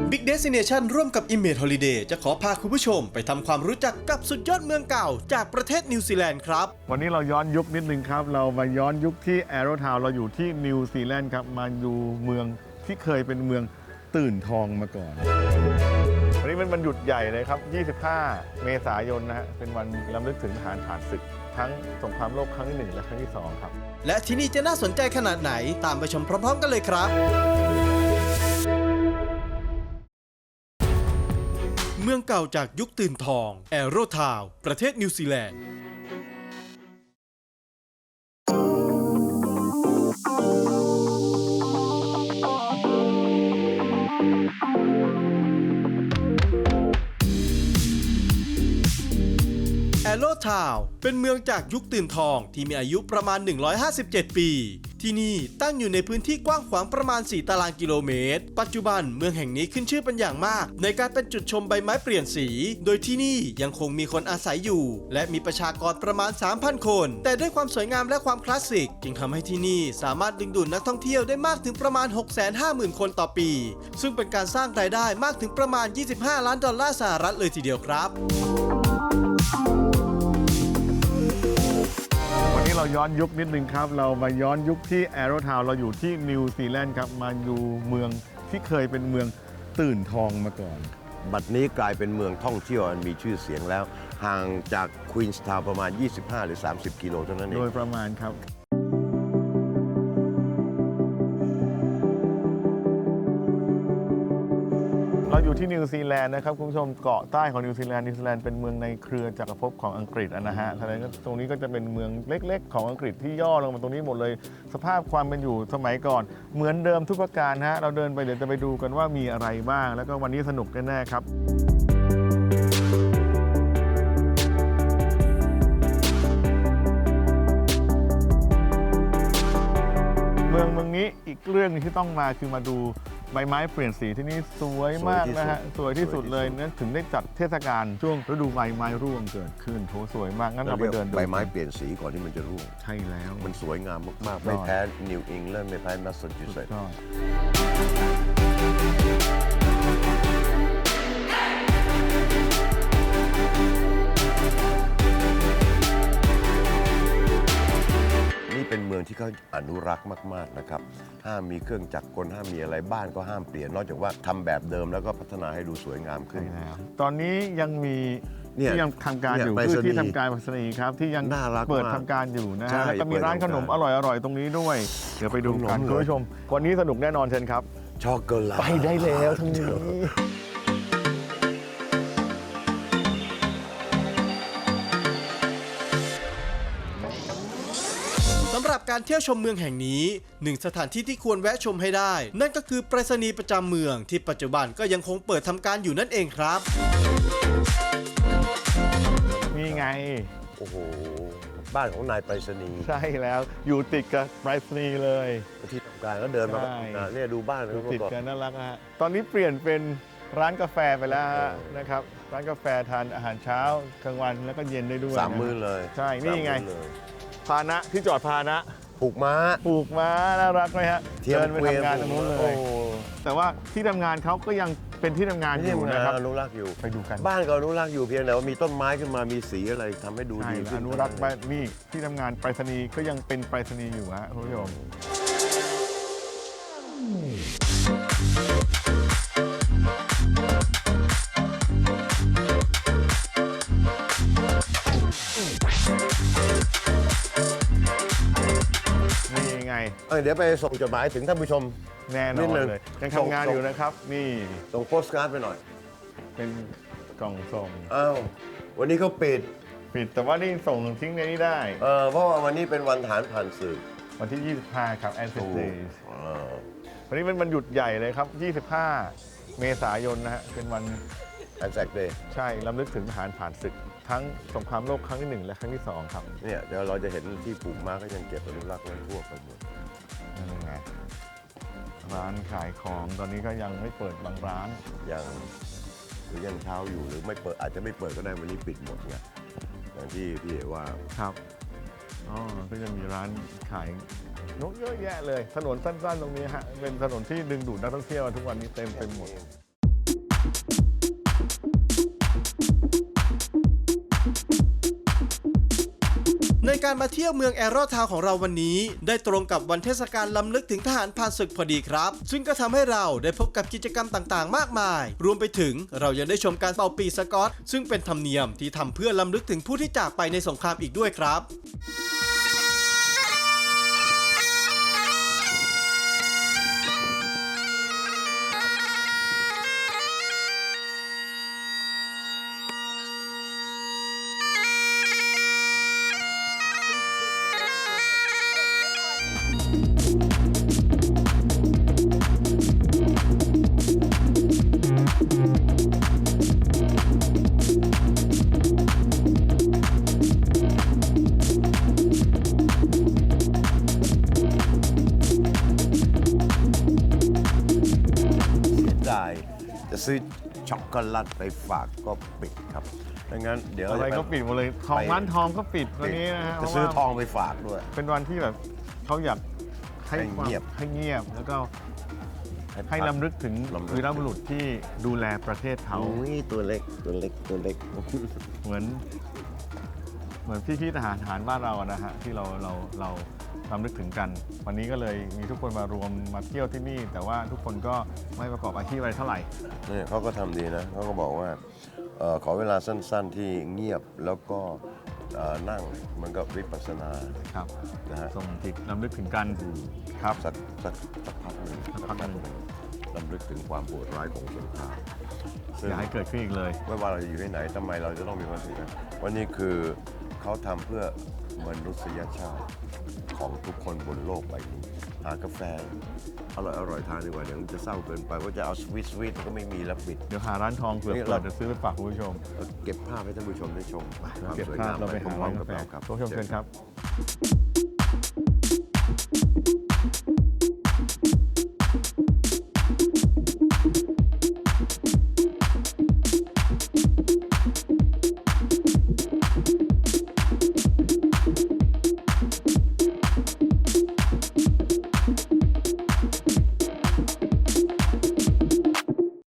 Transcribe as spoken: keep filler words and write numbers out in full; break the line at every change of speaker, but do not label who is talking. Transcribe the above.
Big Destination ร่วมกับ Image Holiday จะขอพาคุณผู้ชมไปทำความรู้จักกับสุดยอดเมืองเก่าจากประเทศนิวซีแลนด์ครับ
วันนี้เราย้อนยุคนิดนึงครับเรามาย้อนยุคที่ Arrow Town เราอยู่ที่นิวซีแลนด์ครับมาดูเมืองที่เคยเป็นเมืองตื่นทองมาก่อนวันนี้เป็นวันหยุดใหญ่เลยครับยี่สิบห้าเมษายนนะฮะเป็นวันรำลึกถึงทหารผ่านศึกทั้งสงครามโลกครั้งที่หนึ่งและครั้งที่สองครับ
และที่นี่จะน่าสนใจขนาดไหนตามไปชมพร้อมๆกันเลยครับเมืองเก่าจากยุคตื่นทอง Arrow Town ประเทศนิวซีแลนด์Arrow Town เป็นเมืองจากยุคตื่นทองที่มีอายุประมาณหนึ่งร้อยห้าสิบเจ็ดปีที่นี่ตั้งอยู่ในพื้นที่กว้างขวางประมาณสี่ตารางกิโลเมตรปัจจุบันเมืองแห่งนี้ขึ้นชื่อเป็นอย่างมากในการเป็นจุดชมใบไม้เปลี่ยนสีโดยที่นี่ยังคงมีคนอาศัยอยู่และมีประชากรประมาณ สามพัน คนแต่ด้วยความสวยงามและความคลาสสิกจึงทำให้ที่นี่สามารถดึงดูดนักท่องเที่ยวได้มากถึงประมาณ หกแสนห้าหมื่น คนต่อปีซึ่งเป็นการสร้างรายได้มากถึงประมาณยี่สิบห้าล้านดอลลาร์สหรัฐเลยทีเดียวครับ
เราย้อนยุคนิดนึงครับเรามาย้อนยุคที่ Arrow Town เราอยู่ที่นิวซีแลนด์ครับมาดูเมืองที่เคยเป็นเมืองตื่นทองมาก่อน
บัดนี้กลายเป็นเมืองท่องเที่ยวอันมีชื่อเสียงแล้วห่างจากควีนส์ทาวน์ประมาณยี่สิบห้าหรือสามสิบกิโลเท่านั้นเอง
โดยประมาณครับเราอยู่ที่นิวซีแลนด์นะครับคุณผู้ชมเกาะใต้ของนิวซีแลนด์นิวซีแลนด์เป็นเมืองในเครือจักรภพของอังกฤษนะฮะฉะนั้นตรงนี้ก็จะเป็นเมืองเล็กๆของอังกฤษที่ย่อลงมาตรงนี้หมดเลยสภาพความเป็นอยู่สมัยก่อนเหมือนเดิมทุกประการฮะเราเดินไปเดี๋ยวจะไปดูกันว่ามีอะไรบ้างแล้วก็วันนี้สนุกแน่ๆครับเมืองเมืองนี้อีกเรื่องนึงที่ต้องมาคือมาดูใบไม้เปลี่ยนสีที่นี่สวยมากนะฮะสวยที่สุดเลยนั่นถึงได้จัดเทศกาลช่วงฤดูใบไม้ร่วงเกิดขึ้นโถสวยมากงั้นเราไปเดินดู
ใบไม้เปลี่ยนสีก่อนที่มันจะร่วง
ใช่แล้ว
มันสวยงามมากๆไม่แพ้นิวอิงแลนด์ไม่แพ้แมสซาชูเซตส์เป็นเมืองที่เขาอนุรักษ์มากๆนะครับห้ามมีเครื่องจักรกลห้ามมีอะไรบ้านก็ห้ามเปลี่ยนนอกจากว่าทำแบบเดิมแล้วก็พัฒนาให้ดูสวยงามขึ้น
ตอนนี้ยังมีที่ยังทำการอยู่คือที่ทำการไปรษณีย์ครับที่ยังเปิดทำการอยู่นะฮะแล้วก็มีร้านขนมอร่อยๆตรงนี้ด้วยเดี๋ยวไปดูกันคุณผู้ชมวันนี้สนุกแน่นอนเชิญครับ
ช็อกโกแลต
ไปได้แล้วทั้งนี้
สำหรับการเที่ยวชมเมืองแห่งนี้หนึ่งสถานที่ที่ควรแวะชมให้ได้นั่นก็คือไปรษณีย์ประจำเมืองที่ปัจจุบันก็ยังคงเปิดทำการอยู่นั่นเองครับ
นี่ไง
โอ้โหบ้านของนายไปรษณีย์
ใช่แล้วอยู่ติดกับไปรษณีย์เลย
ที่ทำการก็เดินมาเนี่ยดูบ้าน
ติดกันน่ารักฮะตอนนี้เปลี่ยนเป็นร้านกาแฟไปแล้วนะครับร้านกาแฟทานอาหารเช้ากลางวันแล้วก็เย็นได้ด้วย
สามมื้อเลย
ใช่นี่ไงพาหนะที่จอดพาหนะ
ผูกม้า
ผูกม้าน่ารักไหมฮะเดินไปทำงานตรงนู้นเลยแต่ว่าที่ทำงานเขาก็ยังเป็นที่ทำงานอยู่นะครับ
อนุรักษ์อยู่
ไปดูกัน
บ้านก็อนุรักษ์อยู่เพียงแต่ว่ามีต้นไม้ขึ้นมามีสีอะไรทำให้ดูดี
อนุรักษ์ไปนี่ที่ทำงานไปรษณีย์ก็ยังเป็นไปรษณีย์อยู่ฮะคุณผู้ชม
เเดี๋ยวไปส่งจดหมายถึงท่านผู้ชม
แน่นอนเลยยังทำงานอยู่นะครับนี่
ส่งโปสการ์ดไปหน่อย
เป็นกล่องส่ง
อ้าววันนี้เขาปิด
ปิดแต่ว่านี่ส่งทิ้งในนี้ได้
เออเพราะว่าวันนี้เป็นวันทหารผ่านศึก
วันที่ยี่สิบห้าครับแอนเซอร์เดย์วันนี้เป็นวันหยุดใหญ่เลยครับยี่สิบห้าเมษายนนะฮะเป็นวัน
แอนเซอร์เดย์
ใช่รำลึกถึงทหารผ่านศึกทั้งสงครามโลกครั้งที่หนึ่งและครั้งที่สองครับ
เนี่ยเดี๋ยวเราจะเห็นที่ปลูกม้าก็ยังเก็บอนุรักษ์ไว้ทั่วไปหมด
นั่นไงร้านขายของตอนนี้ก็ยังไม่เปิดบางร้าน
ยังหรือยังเช้าอยู่หรือไม่เปิดอาจจะไม่เปิดก็ได้วันนี้ปิดหมดไงอย่างที่พี่เอ๋ว่า
ครับอ๋อก็จะมีร้านขายนกเยอะแยะเลยถนนสั้นๆตรงนี้ฮะเป็นถนนที่ดึงดูดนักท่องเที่ยวทุกวันนี้เต็มไปหมด
ในการมาเที่ยวเมืองแอโรทาวน์ของเราวันนี้ได้ตรงกับวันเทศกาลล้ำลึกถึงทหารผ่านศึกพอดีครับซึ่งก็ทำให้เราได้พบกับกิจกรรมต่างๆ มากมายรวมไปถึงเรายังได้ชมการเป่าปีสกอตซึ่งเป็นธรรมเนียมที่ทำเพื่อล้ำลึกถึงผู้ที่จากไปในสงครามอีกด้วยครับ
จะซื้อช็อกโกแลตไปฝากก็ปิดครับดังนั้นเดี๋ยว
อะไรก็ปิดหมดเลยทองร้านทองก็ปิดวันนี้นะฮะ
จะซื้อทองไปฝากด้วย
เป็นวันที่แบบเขาอยากให้
ให้เงียบ
ให้เงียบแล้วก็ให้ลำลึกถึงวีรบุรุษที่ดูแลประเทศเขา
อุ้ยตัวเล็กตัวเล็กตัวเล็ก
เหมือน เหมือนพี่ๆทหารทหารบ้านเราอะนะฮะที่เราเราเราลำลึกถึงกัน วันนี้ก็เลยมีทุกคนมารวมมาเที่ยวที่นี่ แต่ว่าทุกคนก็ไม่ประกอบอาชีพอะไรเท่าไหร่
นี่เขาก็ทำดีนะเขาก็บอกว่าเอ่อขอเวลาสั้นๆที่เงียบแล้วก็เอ่อนั่งมันก็วิปัสสนา
ครับ
นะฮะ
ส่งจิตลำลึกถึงกันครับ
สักสักสักพักหนึ่ง
สักพักหนึ่ง
ลำลึกถึงความโหดร้ายของสงครามซึ่ง
อย่าให้เกิดขึ้นอีกเลย
ไม่ว่าเราจะอยู่ที่ไหนทำไมเราจะต้องมีความสุขกันวันนี้คือเขาทำเพื่อมนุษยชาติของทุกคนบนโลกใบนี้หากาแฟอร่อยอร่อยทานดีกว่าเดี๋ยวมันจะเศร้าเกินไปว่าจะเอาสวีทสวีทก็ไม่มีแล้วปิด
เดี๋ยวหาร้านทองเผื่อ
นี่
เปิ
เรา
ดจะซื้อไปฝากคุณผู้ชม
เก็บภาพให้ท่านผู้ชมได้ชมความ
เก็บ
สวย
ภาพ
งาม
เราไปหา
พร้
ร้า
อน มๆ
กา
กับ
แฟ
เราครับ
คุณผู้ชมเชิญครับ